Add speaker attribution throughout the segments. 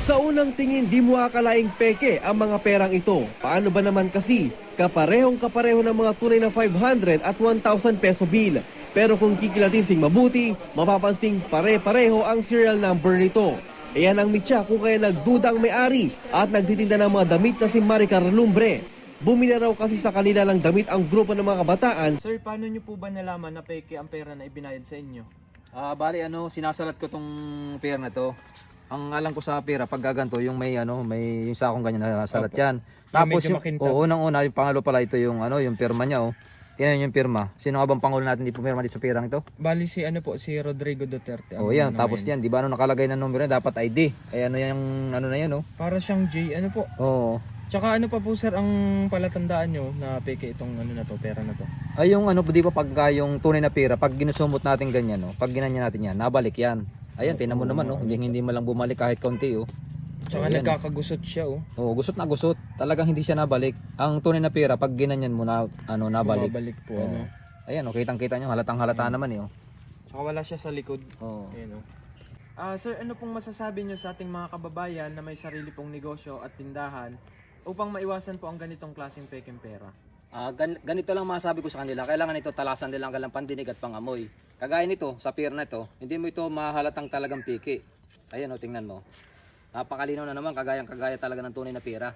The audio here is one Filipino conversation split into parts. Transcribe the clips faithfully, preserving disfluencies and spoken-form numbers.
Speaker 1: Sa unang tingin, di mo akalaing peke ang mga perang ito. Paano ba naman kasi? Kaparehong kapareho ng mga tunay na five hundred at one thousand peso bill. Pero kung kikilatising mabuti, mapapansing pare-pareho ang serial number nito. Iyan ang mitya kung kaya nagduda ang may-ari at nagtitinda ng mga damit na si Maricar Lumbre. Bumili raw kasi sa kanila ng damit ang grupo ng mga kabataan.
Speaker 2: Sir, paano nyo po ba nalaman na peke ang pera na ibinayad sa inyo?
Speaker 3: Ah, bali ano, sinasalat ko tong pera na to. Ang alam ko sa pera pag gaganto, yung may ano, may yung sakong ganyan na salat yan. Tapos yung, oh, unang-una, yung pangalo pala ito yung ano, yung pirma niya oh. Yan yung pirma. Sino nga bang pangulo natin di pumirma dito sa pirang ito?
Speaker 2: Bali si ano po, si Rodrigo Duterte.
Speaker 3: Oh, yan. Tapos yan, di ba ano nakalagay na numero yan, dapat I D. Ay ano yung ano na yan oh.
Speaker 2: Para siyang J, ano po?
Speaker 3: Oo.
Speaker 2: Tsaka ano pa po sir ang palatandaan nyo na peke itong ano na to, pera na to?
Speaker 3: Ay yung ano, di ba pagka yung tunay na pera, pag ginusumot natin ganyan oh, pag ginanya natin yan, nabalik yan. Ayan, tinan mo naman oh, hindi hindi man lang bumalik kahit konti oh.
Speaker 2: Tsaka
Speaker 3: ayan,
Speaker 2: nagkakagusot siya oh.
Speaker 3: oh, gusot na gusot. Talagang hindi siya nabalik. Ang tunay na pera pag ginanyan mo na ano nabalik.
Speaker 2: Bumabalik po
Speaker 3: Oo.
Speaker 2: ano.
Speaker 3: Ayan oh, kitang-kita nyo, halatang halata naman eh oh.
Speaker 2: Tsaka wala siya sa likod.
Speaker 3: Oo.
Speaker 2: Ayan oh. Ah, sir, ano pong masasabi nyo sa ating mga kababayan na may sarili pong negosyo at tindahan upang maiwasan po ang ganitong klaseng pekeng pera?
Speaker 3: Ah, gan- ganito lang masabi ko sa kanila. Kailangan ito talasan nila ang kanilang pandinig at pangamoy. Kagaya nito, sa pier na ito, hindi mo ito mahalatang talagang piki. Ayan o, tingnan mo. Napakalinaw na naman, kagayang kagaya talaga ng tunay na pera.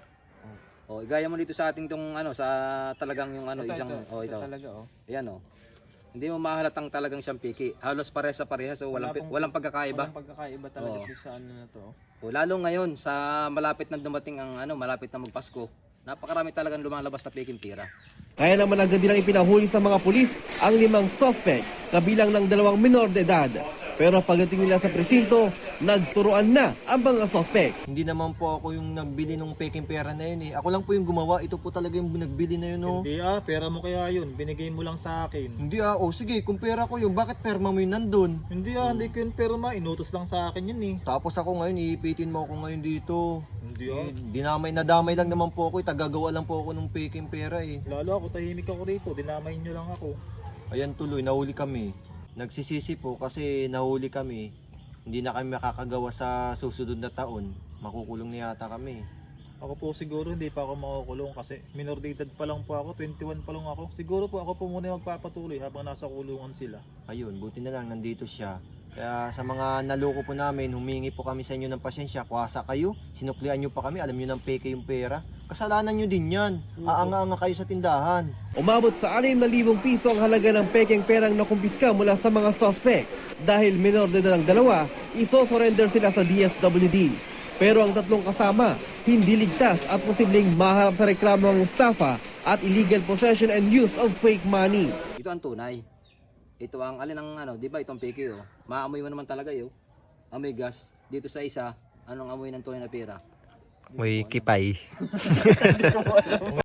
Speaker 3: O, igaya mo dito sa ating tong ano, sa talagang yung ano,
Speaker 2: Ito,
Speaker 3: isang,
Speaker 2: ito,
Speaker 3: o
Speaker 2: ito
Speaker 3: ito.
Speaker 2: talaga oh.
Speaker 3: Ayan o. Hindi mo mahalatang talagang siyang piki. Halos pare sa pareha, so walang,
Speaker 2: Wala pong-
Speaker 3: walang pagkakaiba.
Speaker 2: Walang pagkakaiba talaga
Speaker 3: Oo.
Speaker 2: po sa ano na to.
Speaker 3: O, lalo ngayon, sa malapit na dumating ang ano, malapit na magpasko, napakarami talagang lumalabas na peking pera.
Speaker 1: Kaya naman agad nilang ipinahuli sa mga pulis ang limang suspect, kabilang ng dalawang minor de edad. Pero pagdating nila sa presinto, nagturuan na ang mga suspect.
Speaker 4: Hindi naman po ako yung nagbili ng peking pera na yun eh. Ako lang po yung gumawa. Ito po talaga yung nagbili na yun oh.
Speaker 5: Hindi ah, pera mo kaya yun. Binigay mo lang sa akin.
Speaker 4: Hindi ah, oh sige, kung pera ko yun, bakit perma mo yun nandun?
Speaker 5: Hindi ah, hindi ko yun perma. Inutos lang sa akin yun eh.
Speaker 4: Tapos ako ngayon, iipitin mo ako ngayon dito.
Speaker 5: Hindi ah.
Speaker 4: Eh, dinamay, nadamay lang naman po ako eh. Tagagawa lang po ako ng peking pera eh.
Speaker 5: Lalo ako, tahimik ako rito. Dinamay nyo lang ako.
Speaker 4: Ayan tuloy, nahuli kami. Nagsisisi po kasi nahuli kami. Hindi na kami makakagawa sa susunod na taon. Makukulong na yata kami.
Speaker 5: Ako po siguro hindi pa ako makukulong kasi minor de edad pa lang po ako. twenty-one pa lang ako. Siguro po ako po muna yung magpapatuloy habang nasa kulungan sila.
Speaker 4: Ayun, buti na lang nandito siya. Kaya sa mga naloko po namin, humingi po kami sa inyo ng pasyensya. Kuwasa kayo, sinuklian nyo pa kami, alam nyo ng peke yung pera. Kasalanan nyo din yan. Aanga-anga kayo sa tindahan.
Speaker 1: Umabot sa anim na libong piso ang halaga ng pekeng perang nakumpiska mula sa mga suspect. Dahil minor de edad ang dalawa, iso-surrender sila sa D S W D. Pero ang tatlong kasama, hindi ligtas at posibleng maharap sa reklamo ng estafa at illegal possession and use of fake money.
Speaker 3: Ito ang tunay. Ito ang alin ang ano, di ba itong piki oh. Maamoy mo naman talaga yo. Amoy gas. Dito sa isa, anong amoy ng tunay na pera?
Speaker 6: May kipay.